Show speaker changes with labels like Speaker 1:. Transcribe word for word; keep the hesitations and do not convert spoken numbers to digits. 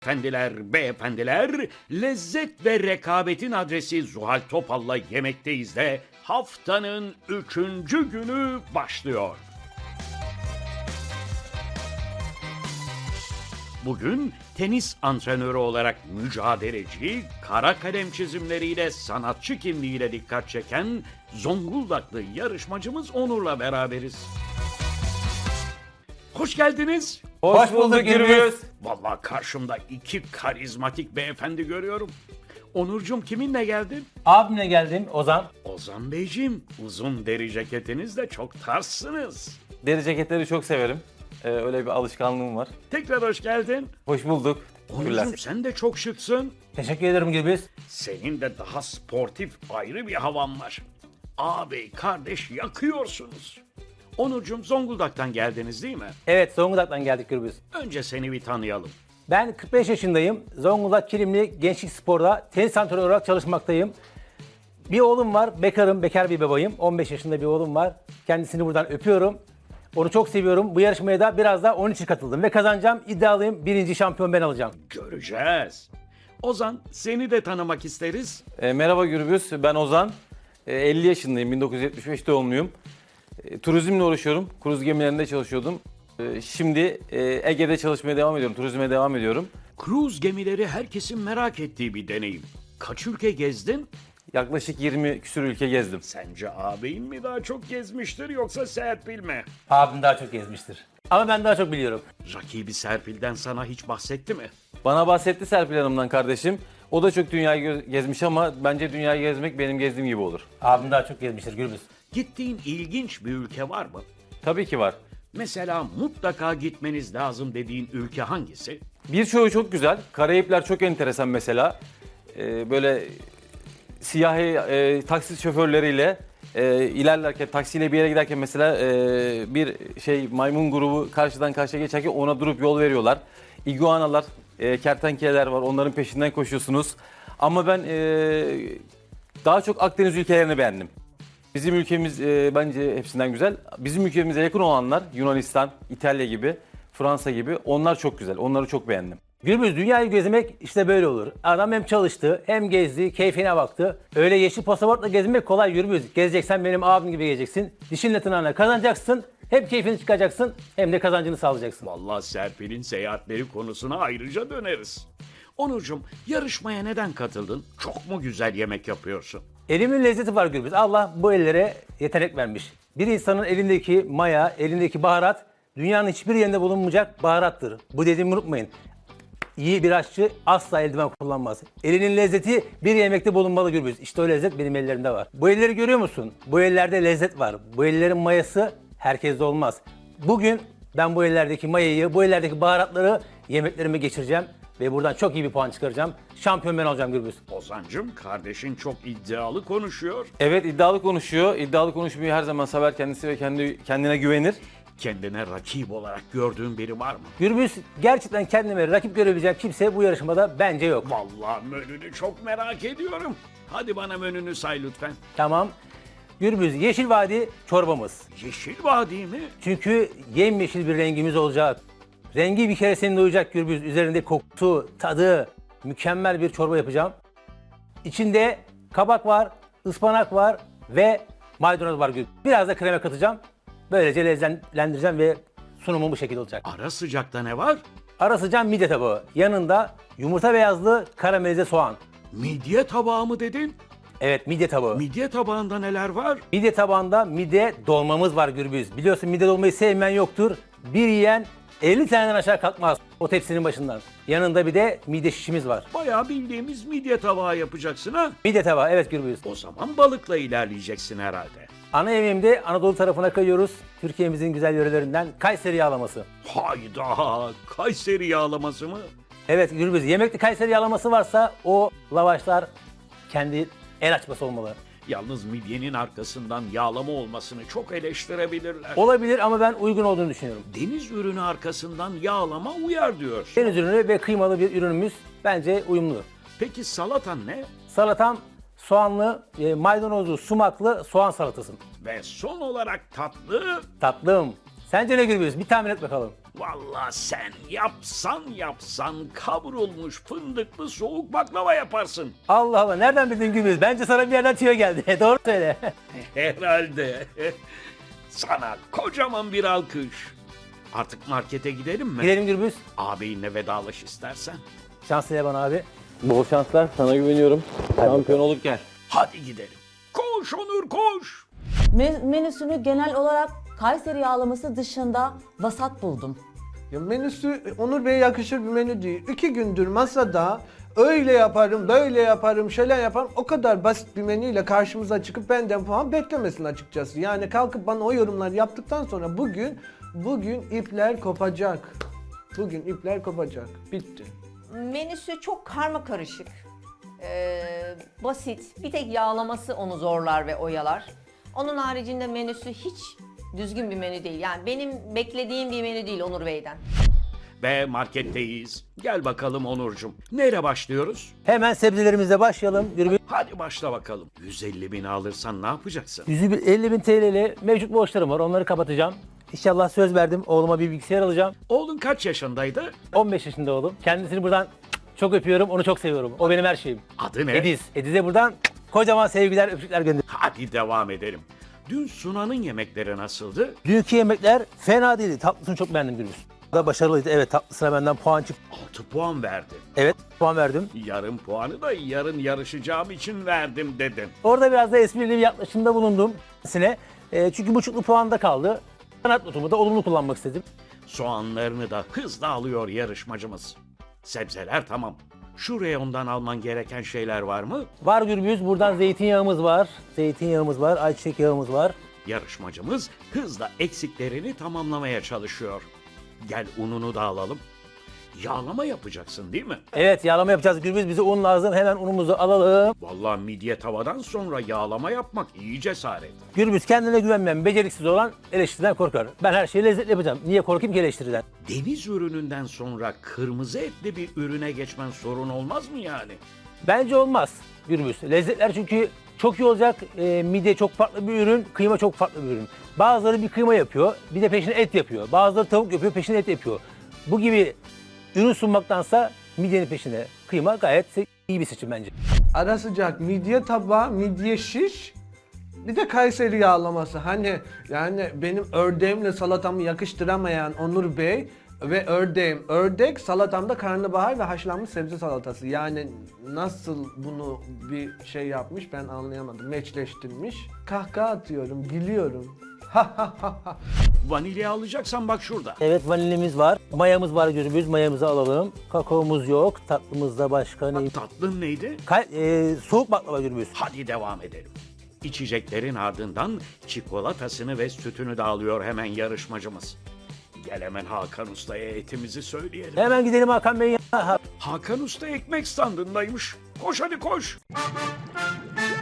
Speaker 1: Efendiler, beyefendiler, lezzet ve rekabetin adresi Zuhal Topal'la Yemekteyiz de haftanın üçüncü günü başlıyor. Bugün tenis antrenörü olarak mücadeleci, kara kalem çizimleriyle sanatçı kimliğiyle dikkat çeken Zonguldaklı yarışmacımız Onur'la beraberiz. Hoş geldiniz.
Speaker 2: Hoş bulduk Gürbüz.
Speaker 1: Vallahi karşımda iki karizmatik beyefendi görüyorum. Onurcuğum kiminle geldin?
Speaker 2: Abimle geldim Ozan.
Speaker 1: Ozan Beyciğim, uzun deri ceketinizle çok tarzsınız.
Speaker 2: Deri ceketleri çok severim. Ee, öyle bir alışkanlığım var.
Speaker 1: Tekrar hoş geldin.
Speaker 2: Hoş bulduk.
Speaker 1: Onurcuğum sen de çok şıksın.
Speaker 2: Teşekkür ederim Gürbüz.
Speaker 1: Senin de daha sportif ayrı bir havan var. Ağabey kardeş yakıyorsunuz. Onurcuğum Zonguldak'tan geldiniz değil mi?
Speaker 2: Evet, Zonguldak'tan geldik Gürbüz.
Speaker 1: Önce seni bir tanıyalım.
Speaker 2: Ben kırk beş yaşındayım. Zonguldak Kilimli Gençlik Spor'da tenis antrenörü olarak çalışmaktayım. Bir oğlum var, bekarım, bekar bir babayım. on beş yaşında bir oğlum var. Kendisini buradan öpüyorum. Onu çok seviyorum. Bu yarışmaya da biraz da onun için katıldım ve kazanacağım. İddialıyım. Birinci şampiyon ben olacağım.
Speaker 1: Göreceğiz. Ozan seni de tanımak isteriz.
Speaker 2: E, merhaba Gürbüz, ben Ozan. E, elli yaşındayım, bin dokuz yüz yetmiş beş doğumluyum. E, turizmle uğraşıyorum. Kruz gemilerinde çalışıyordum. E, şimdi e, Ege'de çalışmaya devam ediyorum. Turizme devam ediyorum.
Speaker 1: Kruz gemileri herkesin merak ettiği bir deneyim. Kaç ülke gezdin?
Speaker 2: Yaklaşık yirmi küsur ülke gezdim.
Speaker 1: Sence ağabeyin mi daha çok gezmiştir yoksa Serpil mi?
Speaker 2: Abim daha çok gezmiştir. Ama ben daha çok biliyorum.
Speaker 1: Rakibi Serpil'den sana hiç bahsetti mi?
Speaker 2: Bana bahsetti Serpil Hanım'dan kardeşim. O da çok dünyayı gö- gezmiş ama bence dünyayı gezmek benim gezdiğim gibi olur. Abim daha çok gezmiştir Gürbüz.
Speaker 1: Gittiğin ilginç bir ülke var mı?
Speaker 2: Tabii ki var.
Speaker 1: Mesela mutlaka gitmeniz lazım dediğin ülke hangisi?
Speaker 2: Birçoğu çok güzel. Karayipler çok enteresan mesela. Ee, böyle siyahi e, taksi şoförleriyle e, ilerlerken, taksiyle bir yere giderken mesela e, bir şey maymun grubu karşıdan karşıya geçerken ona durup yol veriyorlar. İguanalar, e, kertenkeleler var, onların peşinden koşuyorsunuz. Ama ben e, daha çok Akdeniz ülkelerini beğendim. Bizim ülkemiz e, bence hepsinden güzel. Bizim ülkemize yakın olanlar Yunanistan, İtalya gibi, Fransa gibi onlar çok güzel. Onları çok beğendim. Gürbüz, dünyayı gezmek işte böyle olur. Adam hem çalıştı, hem gezdi, keyfine baktı. Öyle yeşil pasaportla gezmek kolay Gürbüz. Gezeceksen benim abim gibi gezeceksin. Dişinle tırnağına kazanacaksın. Hem keyfini çıkacaksın, hem de kazancını sağlayacaksın.
Speaker 1: Vallahi Serpil'in seyahatleri konusuna ayrıca döneriz. Onurcuğum yarışmaya neden katıldın? Çok mu güzel yemek yapıyorsun?
Speaker 2: Elimin lezzeti var Gürbüz. Allah bu ellere yetenek vermiş. Bir insanın elindeki maya, elindeki baharat dünyanın hiçbir yerinde bulunmayacak baharattır. Bu dediğimi unutmayın. İyi bir aşçı asla eldiven kullanmaz. Elinin lezzeti bir yemekte bulunmalı Gürbüz. İşte o lezzet benim ellerimde var. Bu elleri görüyor musun? Bu ellerde lezzet var. Bu ellerin mayası herkeste olmaz. Bugün ben bu ellerdeki mayayı, bu ellerdeki baharatları yemeklerime geçireceğim. Ve buradan çok iyi bir puan çıkaracağım. Şampiyon ben olacağım Gürbüz.
Speaker 1: Ozancığım kardeşin çok iddialı konuşuyor.
Speaker 2: Evet, iddialı konuşuyor. İddialı konuşmayı her zaman sever kendisi ve kendi kendine güvenir.
Speaker 1: Kendine rakip olarak gördüğün biri var mı?
Speaker 2: Gürbüz, gerçekten kendime rakip görebileceğim kimse bu yarışmada bence yok.
Speaker 1: Vallahi menünü çok merak ediyorum. Hadi bana menünü say lütfen.
Speaker 2: Tamam. Gürbüz, Yeşil Vadi çorbamız.
Speaker 1: Yeşil Vadi mi?
Speaker 2: Çünkü yemyeşil bir rengimiz olacak. Rengi bir kere seni doyacak Gürbüz. Üzerinde kokusu, tadı, mükemmel bir çorba yapacağım. İçinde kabak var, ıspanak var ve maydanoz var Gürbüz. Biraz da krema katacağım. Böylece lezzetlendireceğim ve sunumum bu şekilde olacak.
Speaker 1: Ara sıcakta ne var?
Speaker 2: Ara sıcağım midye tabağı. Yanında yumurta beyazlı karamelize soğan.
Speaker 1: Midye tabağı mı dedin?
Speaker 2: Evet, midye tabağı.
Speaker 1: Midye tabağında neler var?
Speaker 2: Midye tabağında midye dolmamız var Gürbüz. Biliyorsun midye dolmayı sevmeyen yoktur. Bir yiyen elli taneden aşağı kalkmaz o tepsinin başından. Yanında bir de midye şişimiz var.
Speaker 1: Bayağı bildiğimiz midye tabağı yapacaksın ha?
Speaker 2: Midye tabağı, evet Gürbüz.
Speaker 1: O zaman balıkla ilerleyeceksin herhalde.
Speaker 2: Ana yemeğimde Anadolu tarafına kayıyoruz. Türkiye'mizin güzel yörelerinden Kayseri yağlaması.
Speaker 1: Hayda! Kayseri yağlaması mı?
Speaker 2: Evet Gürbüz, yemekte Kayseri yağlaması varsa o lavaşlar kendi el açması olmalı.
Speaker 1: Yalnız midyenin arkasından yağlama olmasını çok eleştirebilirler.
Speaker 2: Olabilir ama ben uygun olduğunu düşünüyorum.
Speaker 1: Deniz ürünü arkasından yağlama uyar diyor.
Speaker 2: Deniz ürünü ve kıymalı bir ürünümüz bence uyumlu.
Speaker 1: Peki salatan ne?
Speaker 2: Salatam soğanlı, e, maydanozlu, sumaklı soğan salatası.
Speaker 1: Ve son olarak tatlı.
Speaker 2: Tatlım,
Speaker 3: Sence ne Gürbüz? Bir tahmin et bakalım.
Speaker 1: Vallahi sen yapsan yapsan kavrulmuş fındıklı soğuk baklava yaparsın.
Speaker 3: Allah Allah, nereden bildin Gürbüz? Bence sana bir yerden tüyo geldi. Doğru söyle.
Speaker 1: Herhalde. Sana kocaman bir alkış. Artık markete gidelim mi?
Speaker 3: Gidelim Gürbüz.
Speaker 1: Ağabeyinle vedalaş istersen.
Speaker 3: Şans ile bana abi.
Speaker 2: Bol şanslar, sana güveniyorum. Şampiyon olup gel.
Speaker 1: Hadi gidelim. Koş Onur koş.
Speaker 4: Me- menüsünü genel olarak Kayseri yağlaması dışında vasat buldum.
Speaker 5: Ya menüsü Onur Bey'e yakışır bir menü değil. İki gündür masada öyle yaparım, böyle yaparım, şöyle yaparım. O kadar basit bir menüyle karşımıza çıkıp benden puan beklemesin açıkçası. Yani kalkıp bana o yorumlar yaptıktan sonra bugün, bugün ipler kopacak. Bugün ipler kopacak. Bitti.
Speaker 6: Menüsü çok karma karışık. Ee, basit. Bir tek yağlaması onu zorlar ve oyalar. Onun haricinde menüsü hiç düzgün bir menü değil. Yani benim beklediğim bir menü değil Onur Bey'den.
Speaker 1: Ve marketteyiz. Gel bakalım Onurcuğum. Neyle başlıyoruz?
Speaker 3: Hemen sebzelerimizle başlayalım Gürbüz.
Speaker 1: Hadi başla bakalım. yüz elli bin alırsan ne yapacaksın?
Speaker 3: yüz elli bin T L'li mevcut borçlarım var. Onları kapatacağım. İnşallah söz verdim. Oğluma bir bilgisayar alacağım.
Speaker 1: Oğlun kaç yaşındaydı?
Speaker 3: on beş yaşında oğlum. Kendisini buradan çok öpüyorum. Onu çok seviyorum. O benim her şeyim.
Speaker 1: Adı ne?
Speaker 3: Ediz. Ediz'e buradan kocaman sevgiler, öpücükler gönderiyorum.
Speaker 1: Hadi devam edelim. Dün Sunan'ın yemekleri nasıldı?
Speaker 3: Dünkü yemekler fena değildi. Tatlısını çok beğendim Gürbüz. Da başarılıydı. Evet, tatlısına benden puan çıktı.
Speaker 1: altı puan verdi.
Speaker 3: Evet, puan verdim.
Speaker 1: Yarım puanı da yarın yarışacağım için verdim dedin.
Speaker 3: Orada biraz da esprili bir yaklaşımda bulundum kendisine. E, çünkü buçuklu puanda kaldı. Sanat notumu da olumlu kullanmak istedim.
Speaker 1: Soğanlarını da hızla alıyor yarışmacımız. Sebzeler tamam. Şu reyondan alman gereken şeyler var mı?
Speaker 3: Var Gürbüz, buradan zeytinyağımız var. Zeytinyağımız var, ayçiçek yağımız var.
Speaker 1: Yarışmacımız hızla eksiklerini tamamlamaya çalışıyor. Gel ununu da alalım. Yağlama yapacaksın değil mi?
Speaker 3: Evet, yağlama yapacağız Gürbüz. Bize un lazım. Hemen unumuzu alalım.
Speaker 1: Vallahi midye tavadan sonra yağlama yapmak iyi cesaret.
Speaker 3: Gürbüz, kendine güvenmeyen, beceriksiz olan eleştiriden korkar. Ben her şeyi lezzetli yapacağım. Niye korkayım ki eleştiriden?
Speaker 1: Deniz ürününden sonra kırmızı etli bir ürüne geçmen sorun olmaz mı yani?
Speaker 3: Bence olmaz Gürbüz. Lezzetler çünkü çok iyi olacak. E, midye çok farklı bir ürün, kıyma çok farklı bir ürün. Bazıları bir kıyma yapıyor, bir de peşine et yapıyor. Bazıları tavuk yapıyor, peşine et yapıyor. Bu gibi ürün sunmaktansa midyenin peşine kıyma gayet iyi bir seçim bence.
Speaker 5: Ara sıcak midye tabağı, midye şiş. Bir de Kayseri yağlaması. Hani yani benim ördeğimle salatamı yakıştıramayan Onur Bey ve ördeğim ördek, salatamda karnabahar ve haşlanmış sebze salatası. Yani nasıl bunu bir şey yapmış ben anlayamadım. Meçleştirmiş. Kahkaha atıyorum, gülüyorum.
Speaker 1: Vanilya alacaksan bak şurada.
Speaker 3: Evet, vanilimiz var, mayamız var Gürbüz, mayamızı alalım. Kakaomuz yok, tatlımızda başka ne?
Speaker 1: Tatlın neydi?
Speaker 3: Kay- e, soğuk baklava Gürbüz.
Speaker 1: Hadi devam edelim. İçeceklerin ardından çikolatasını ve sütünü de alıyor hemen yarışmacımız. Gel hemen Hakan Usta'ya etimizi söyleyelim.
Speaker 3: Hemen gidelim Hakan Bey'in yanına. Ha-
Speaker 1: Hakan Usta ekmek standındaymış. Koş hadi koş.